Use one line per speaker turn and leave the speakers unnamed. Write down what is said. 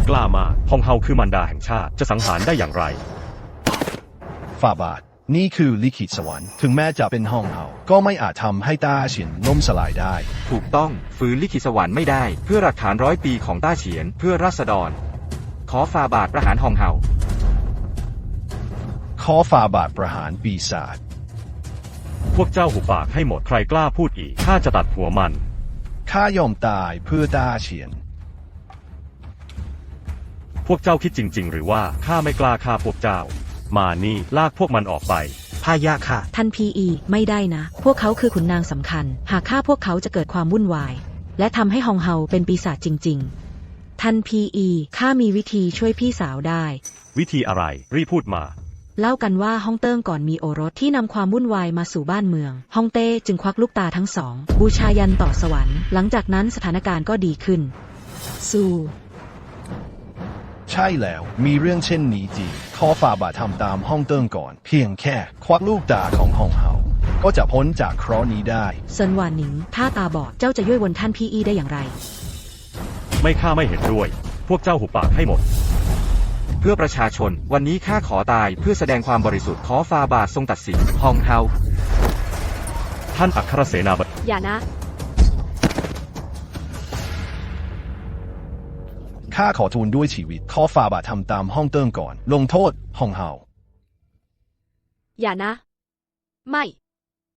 กล้ามากฮองเฮาคือมารดาแห่งชาติจะสังหารได้อย่างไร
ฝ่าบาทนี่คือลิขิตสวรรค์ถึงแม้จะเป็นห้องเฮาก็ไม่อาจทำให้ต้าเฉียนล่มสลายได้
ถูกต้องฝืนลิขิตสวรรค์ไม่ได้เพื่อหลักฐาน100 ปีของต้าเฉียนเพื่อราษฎรขอฝ่าบาทประหารฮองเฮา
ขอฝ่าบาทประหารปีศาจ
พวกเจ้าหุบปากให้หมดใครกล้าพูดอีกข้าจะตัดหัวมัน
ข้ายอมตายเพื่อต้าเฉียน
พวกเจ้าคิดจริงๆหรือว่าข้าไม่กล้าฆ่าพวกเจ้ามานี่ลากพวกมันออกไป
พายะค่ะ
ท่านพีไม่ได้นะพวกเขาคือขุนนางสำคัญหากฆ่าพวกเขาจะเกิดความวุ่นวายและทำให้ฮองเฮาเป็นปีศาจจริงๆท่านพีข้ามีวิธีช่วยพี่สาวได้
วิธีอะไรรีบพูดมา
เล่ากันว่าฮ่องเติ้งก่อนมีโอรสที่นำความวุ่นวายมาสู่บ้านเมืองฮ่องเต้จึงควักลูกตาทั้งสองบูชายันต่อสวรรค์หลังจากนั้นสถานการณ์ก็ดีขึ้นสู้
ใช่แล้วมีเรื่องเช่นนี้จริงขอฝ่าบาททำตามฮ่องเติ้งก่อนเพียงแค่ควักลูกตาของฮ่องเฮาก็จะพ้นจากเคราะห์นี้ได้
เซินหวานหนิงถ้าตาบอดเจ้าจะย่วยวนท่านพีได้อย่างไร
ไม่ข้าไม่เห็นด้วยพวกเจ้าหุบปากให้หมด
เพื่อประชาชนวันนี้ข้าขอตายเพื่อแสดงความบริสุทธิ์ขอฝ่าบาททรงตัดสินฮองเฮา
ท่านอัครเสนาบดี
อย่านะ
ข้าขอทูลด้วยชีวิตขอฝ่าบาททำตามฮ่องเติ้งก่อนลงโทษฮ่องเฮา
อย่านะไม่